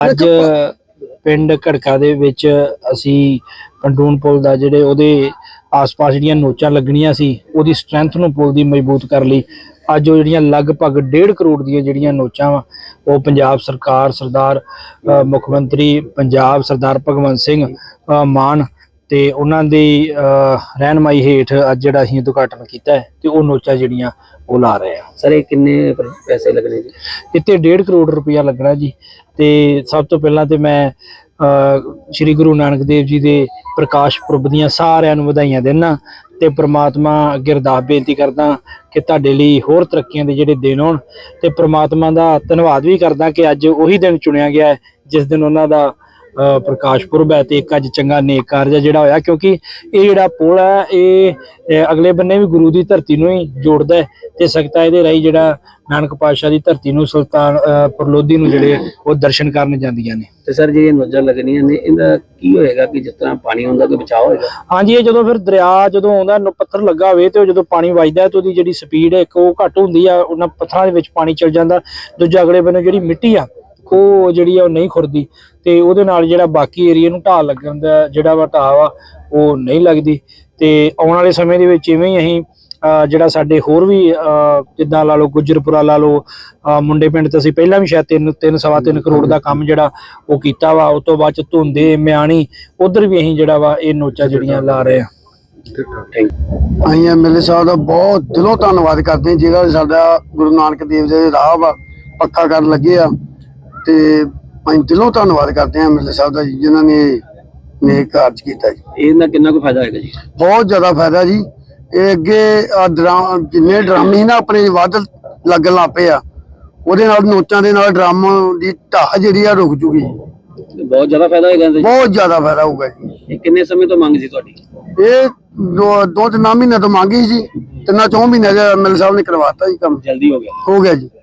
ਅੱਜ ਪਿੰਡ ਘੜਕਾ ਦੇ ਵਿੱਚ ਅਸੀਂ ਕੰਟੂਨ ਪੁਲ ਦਾ ਜਿਹੜੇ ਉਹਦੇ ਆਸ-ਪਾਸ ਜਿਹੜੀਆਂ ਨੋਚਾਂ ਲੱਗਣੀਆਂ ਸੀ ਉਹਦੀ ਸਟਰੈਂਥ ਨੂੰ ਪੁਲ ਦੀ ਮਜ਼ਬੂਤ ਕਰ ਲਈ। ਅੱਜ ਉਹ ਜਿਹੜੀਆਂ ਲਗਭਗ 1.5 ਕਰੋੜ ਦੀਆਂ ਜਿਹੜੀਆਂ ਨੋਚਾਂ ਵਾ ਉਹ ਪੰਜਾਬ ਸਰਕਾਰ ਸਰਦਾਰ ਮੁੱਖ ਮੰਤਰੀ ਪੰਜਾਬ ਸਰਦਾਰ ਭਗਵੰਤ ਸਿੰਘ ਮਾਨ ਤੇ ਉਹਨਾਂ ਦੀ ਰਹਿਨਮਾਈ ਹੇਠ ਅੱਜ ਜਿਹੜਾ ਅਸੀਂ ਉਦਘਾਟਨ ਕੀਤਾ ਹੈ ਤੇ ਉਹ ਨੋਚਾਂ ਜਿਹੜੀਆਂ ਉਹ ਲਾ ਰਹੇ ਆ। ਸਰ ਇਹ ਕਿੰਨੇ ਪੈਸੇ ਲੱਗਣੇ ਜੀ? ਇੱਥੇ 1.5 ਕਰੋੜ ਰੁਪਇਆ ਲੱਗਣਾ ਜੀ। ਤੇ ਸਭ ਤੋਂ ਪਹਿਲਾਂ ਤੇ ਮੈਂ ਸ਼੍ਰੀ ਗੁਰੂ ਨਾਨਕ ਦੇਵ ਜੀ ਦੇ ਪ੍ਰਕਾਸ਼ ਪੁਰਬ ਦੀਆਂ ਸਾਰਿਆਂ ਨੂੰ ਵਧਾਈਆਂ ਦਿੰਦਾ ਤੇ ਪ੍ਰਮਾਤਮਾ ਅੱਗੇ ਅਰਦਾਸ ਬੇਨਤੀ ਕਰਦਾ ਕਿ ਤੁਹਾਡੇ ਲਈ ਹੋਰ ਤਰੱਕੀਆਂ ਦੇ ਜਿਹੜੇ ਦਿਨ ਹੋਣ ਤੇ ਪ੍ਰਮਾਤਮਾ ਦਾ ਧੰਨਵਾਦ ਵੀ ਕਰਦਾ ਕਿ ਅੱਜ ਉਹੀ ਦਿਨ ਚੁਣਿਆ ਗਿਆ ਹੈ ਜਿਸ ਦਿਨ ਉਹਨਾਂ ਦਾ ਪ੍ਰਕਾਸ਼ ਪੁਰਬ ਹੈ ਤੇ ਇੱਕ ਅੱਜ ਚੰਗਾ ਨੇਕ ਕਾਰਜ ਜਿਹੜਾ ਹੋਇਆ, ਕਿਉਂਕਿ ਇਹ ਜਿਹੜਾ ਪੁਲ ਹੈ ਇਹ ਅਗਲੇ ਬੰਨੇ ਵੀ ਗੁਰੂ ਦੀ ਧਰਤੀ ਨੂੰ ਹੀ ਜੋੜਦਾ ਹੈ ਤੇ ਸੰਗਤਾਂ ਇਹਦੇ ਰਾਹੀਂ ਜਿਹੜਾ ਨਾਨਕ ਪਾਤਸ਼ਾਹ ਦੀ ਧਰਤੀ ਨੂੰ ਸੁਲਤਾਨਪੁਰ ਲੋਧੀ ਨੂੰ ਜਿਹੜੇ ਉਹ ਦਰਸ਼ਨ ਕਰਨ ਜਾਂਦੀਆਂ ਨੇ। ਤੇ ਸਰ ਜਿਹੜੀਆਂ ਨੋਜ਼ਾਂ ਲੱਗਣੀਆਂ ਨੇ ਇਹਦਾ ਕੀ ਹੋਏਗਾ ਕਿ ਜਿਸ ਤਰ੍ਹਾਂ ਪਾਣੀ ਆਉਂਦਾ ਕੋਈ ਬਚਾਅ ਹੋਏਗਾ? ਹਾਂਜੀ, ਇਹ ਜਦੋਂ ਫਿਰ ਦਰਿਆ ਜਦੋਂ ਆਉਂਦਾ ਪੱਥਰ ਲੱਗਾ ਹੋਵੇ ਤੇ ਉਹ ਜਦੋਂ ਪਾਣੀ ਵੱਜਦਾ ਤੇ ਉਹਦੀ ਜਿਹੜੀ ਸਪੀਡ ਹੈ ਇੱਕ ਉਹ ਘੱਟ ਹੁੰਦੀ ਆ, ਉਹਨਾਂ ਪੱਥਰਾਂ ਦੇ ਵਿੱਚ ਪਾਣੀ ਚਲ ਜਾਂਦਾ। ਦੂਜਾ ਅਗਲੇ ਬੰਨੇ ਜਿਹੜੀ ਮਿੱਟੀ ਆ ਉਹ ਜਿਹੜੀ ਆ ਉਹ ਨਹੀਂ ਖੁਰਦੀ ਤੇ ਉਹਦੇ ਨਾਲ ਜਿਹੜਾ ਬਾਕੀ ਏਰੀਆ ਨੂੰ ਢਾਹ ਲੱਗਣ ਦਾ ਜਿਹੜਾ ਵਾ ਢਾਹ ਵਾ ਉਹ ਨਹੀਂ ਲੱਗਦੀ। ਤੇ ਆਉਣ ਵਾਲੇ ਸਮੇਂ ਦੇ ਵਿੱਚ ਇਵੇਂ ਹੀ ਅਸੀਂ ਜਿਹੜਾ ਸਾਡੇ ਹੋਰ ਵੀ ਜਿੱਦਾਂ ਲਾ ਲਓ ਗੁੱਜਰਪੁਰਾ ਲਾ ਲਓ ਮੁੰਡੇ ਪਿੰਡ ਤੇ ਅਸੀਂ ਪਹਿਲਾਂ ਵੀ ਸ਼ਾਇਦ 3.3 ਕਰੋੜ ਦਾ ਕੰਮ ਜਿਹੜਾ ਉਹ ਕੀਤਾ ਵਾ। ਉਸ ਤੋਂ ਬਾਅਦ ਚ ਧੁੰਦੇ ਮਿਆਣੀ ਉਧਰ ਵੀ ਅਸੀਂ ਜਿਹੜਾ ਵਾ ਇਹ ਨੋਚਾਂ ਜਿਹੜੀਆਂ ਲਾ ਰਹੇ ਆ। ਅਸੀਂ ਐਮਐਲਏ ਸਾਹਿਬ ਦਾ ਬਹੁਤ ਦਿਲੋਂ ਧੰਨਵਾਦ ਕਰਦੇ ਹਾਂ ਜਿਹੜਾ ਸਾਡਾ ਗੁਰੂ ਨਾਨਕ ਦੇਵ ਦੇ ਰਾਹ ਵਾ ਪੱਕਾ ਕਰਨ ਲੱਗੇ ਆ ਤੇ ਅਸੀਂ ਦਿਲੋਂ ਧੰਨਵਾਦ ਕਰਦੇ ਹਾਂ ਐਮਐਲਏ ਸਾਹਿਬ ਦਾ ਜੀ ਜਿਨ੍ਹਾਂ ਨੇ ਨੇਕ ਕਾਰਜ ਕੀਤਾ ਜੀ। ਇਹਦਾ ਕਿੰਨਾ ਕੁ ਫਾਇਦਾ ਹੋਏਗਾ ਜੀ? ਬਹੁਤ ਜ਼ਿਆਦਾ ਫਾਇਦਾ ਜੀ। ਇਹ ਅੱਗੇ ਜਿੰਨੇ ਡਰਮ ਸੀ ਨਾ ਆਪਣੇ ਵੱਧ ਲੱਗਣ ਲੱਗ ਪਏ ਆ ਉਹਦੇ ਨਾਲ ਨੋਚਾਂ ਦੇ ਨਾਲ ਡਰਮ ਦੀ ਢਾਹ ਜਿਹੜੀ ਆ ਰੁਕ ਜੂਗੀ। ਬਹੁਤ ਜ਼ਿਆਦਾ ਫਾਇਦਾ ਹੋਏਗਾ ਜੀ? ਬਹੁਤ ਜ਼ਿਆਦਾ ਫਾਇਦਾ ਹੋਊਗਾ ਜੀ। ਇਹ ਕਿੰਨੇ ਸਮੇਂ ਤੋਂ ਮੰਗ ਸੀ ਤੁਹਾਡੀ? ਇਹ 2-3 ਮਹੀਨੇ ਤੋਂ ਮੰਗੀ ਸੀ, 3-4 ਮਹੀਨੇ ਐਮਐਲਏ ਸਾਹਿਬ ਨੇ ਕਰਵਾਤਾ ਜੀ ਕੰਮ। ਜਲਦੀ ਹੋ ਗਿਆ? ਹੋ ਗਿਆ ਜੀ।